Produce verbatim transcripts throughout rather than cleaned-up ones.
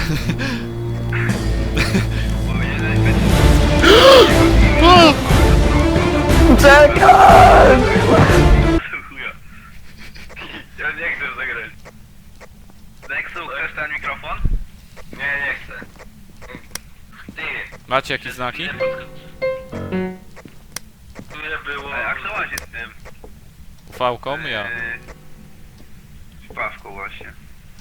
Czekaj! Ja nie chcę zagrać. Nexu, chcesz ten mikrofon? Nie, nie chcę. Ty. Macie jakieś znaki? Tu nie było... Ej, a kto łazi z tym? Ufałką? Ja. Z paszką właśnie.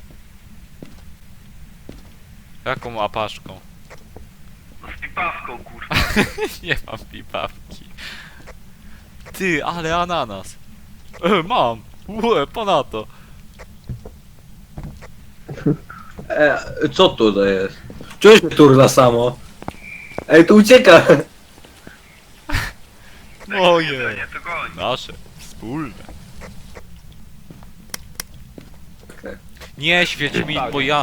Jaką apaszką? No z pipawką, kurwa. Nie mam pipawki. Ty, ale ananas. E, mam. Łe, ponadto. E, co tu to jest? Czułeś mnie turla samo? Ej, tu ucieka! Moje. Nie, to goń. Nasze. Wspólne. Okej. Nie świeć mi, bo ja...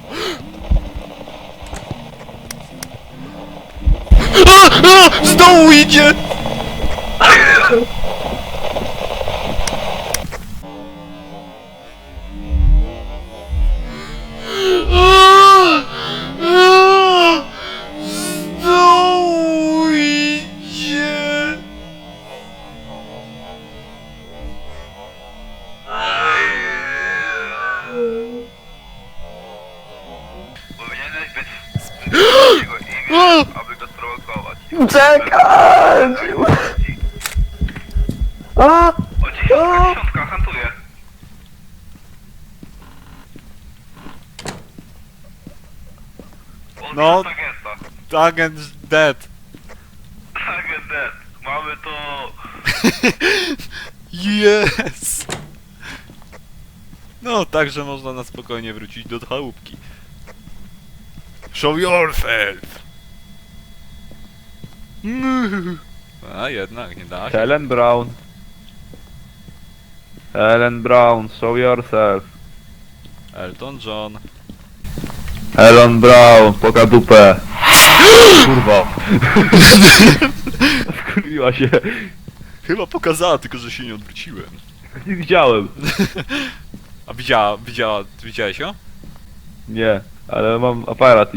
A, a, z dołu idzie! Z dołu idzie! Powinieneś być z jego imię, aby go sprowokować. Czekaj! A! O, dziesiątka, dziesiątka, hantuje. O, No. agenta. Agent dead. Agent dead. Mamy to... Yes! No, także można na spokojnie wrócić do chałupki. Show yourself! A jednak, nie da się. Helen Brown. Helen Brown, show yourself. Elton John. Helen Brown, poka dupę. Kurwa. Skurwiła się. Chyba pokazała, tylko że się nie odwróciłem. Nie widziałem. A widziała, widziała, widziałeś ją? Nie, ale mam aparat i...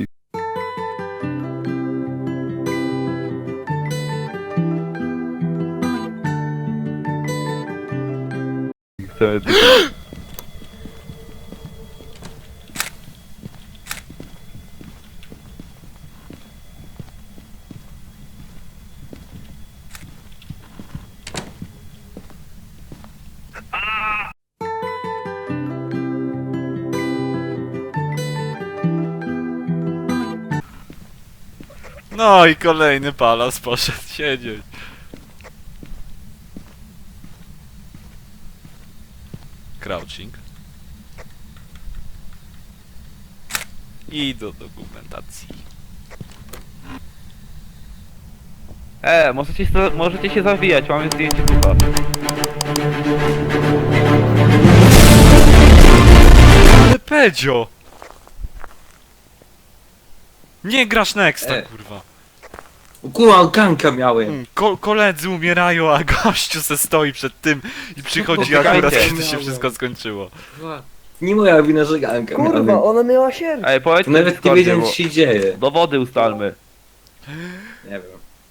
Chcę tylko... No i kolejny palas poszedł siedzieć. Crouching. I do dokumentacji. E, możecie się, możecie się zawijać, mamy zdjęcie chyba. Ale Pedzio! Nie grasz Nexta, E. kurwa. Kurwa, ganka miałem. Mm, Ko koledzy umierają, a gościu se stoi przed tym i przychodzi Czekajcie. akurat, kiedy się wszystko skończyło. Nie moja wina, że ganka Kurwa, miałem. ona miała sierść. Ej, To powiedzcie nawet nie Discordzie, wiedziałem, bo- co się dzieje. Dowody ustalmy. Nie wiem.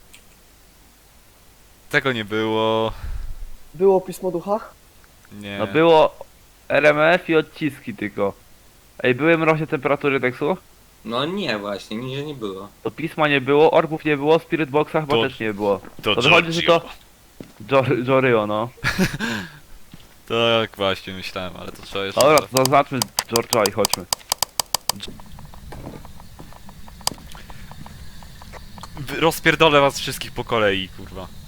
Tego nie było. Było pismo ducha? Nie. No było R M F i odciski tylko. Ej, były mroźne temperatury tekstu? No nie właśnie, nigdzie nie było. To pisma nie było, orbów nie było, Spirit Boxa chyba To- też nie było. To To wychodzi, że to... Jor- Joryo, no. Tak właśnie myślałem, ale to trzeba jeszcze... Dobra, to zaznaczmy George'a i chodźmy. Wy- Rozpierdolę was wszystkich po kolei, kurwa.